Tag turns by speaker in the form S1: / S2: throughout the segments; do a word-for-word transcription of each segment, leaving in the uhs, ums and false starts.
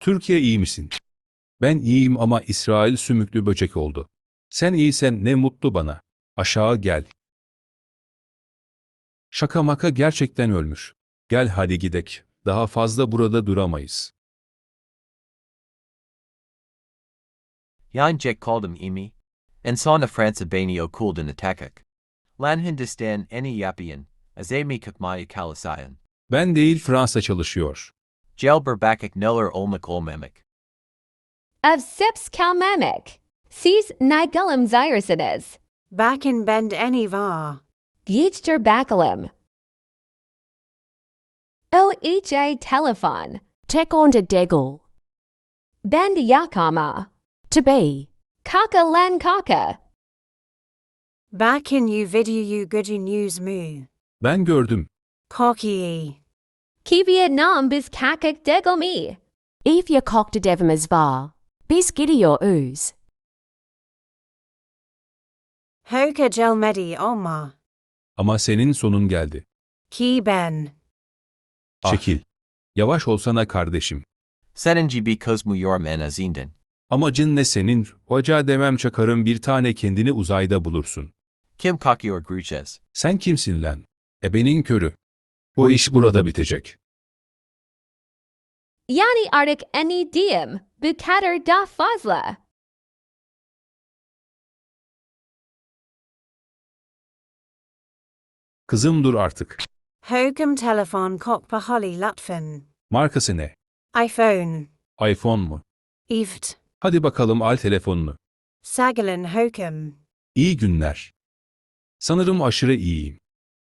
S1: Türkiye iyi misin? Ben iyiyim ama İsrail sümüklü böcek oldu. Sen iyisen ne mutlu bana. Aşağı gel. Şaka maka gerçekten ölmüş. Gel hadi gidek. Daha fazla burada duramayız.
S2: Yan Jack called him imi. En son Fransa bani o kulden atakak. Lan Hindistan eni yapian, az emi kakmaya kalasayan.
S1: Ben değil Fransa çalışıyor.
S2: Jelber bakak neller olmak olmemek.
S3: Of sips kalmamek. Siz nigelum zyrisides.
S4: Bakin bend any var.
S3: Yichter bakalum. O ha telefon.
S5: Tek on to degel.
S3: Bend yakama.
S5: To be.
S3: Kaka len kaka.
S4: Bakin you video you goody news mu.
S1: Ben gördüm.
S4: Cocky.
S3: Ki Vietnam bis kakak degel me.
S5: Eve your cock to devim as var. Bis giddy your ooze.
S4: Hoka gel medi oma.
S1: Ama senin sonun geldi.
S4: Ki ben.
S2: Ah.
S1: Çekil. Yavaş olsana kardeşim.
S2: Seninci bi kozmu yormen azinden.
S1: Amacın ne senin? Hoca demem çakarım bir tane kendini uzayda bulursun.
S2: Kim kakiyor gruches.
S1: Sen kimsin lan? Ebenin körü. Bu iş burada bitecek.
S3: Yani artık eni diem. Bu kadar da fazla.
S1: Kızım dur artık.
S4: Hogum telefon kok bahali lutfen.
S1: Markası ne?
S4: iPhone.
S1: iPhone mu?
S4: Evt.
S1: Hadi bakalım al telefonunu.
S4: Sagalin hokum.
S1: İyi günler. Sanırım aşırı iyiyim.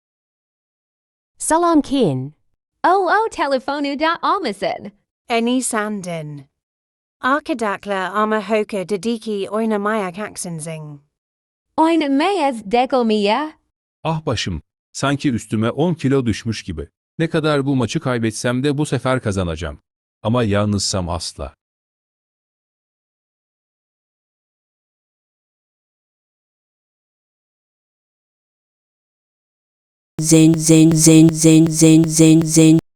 S5: Salam kin.
S3: O o telefonu da almasın.
S4: Any sandin. Arkadakla ama hoka dediki oyna mayak aksenzing.
S3: Oyn meyaz degel me ya.
S1: Ah başım. Sanki üstüme on kilo düşmüş gibi. Ne kadar bu maçı kaybetsem de bu sefer kazanacağım. Ama yalnızsam asla.
S5: Zen zen zen zen zen zen zen.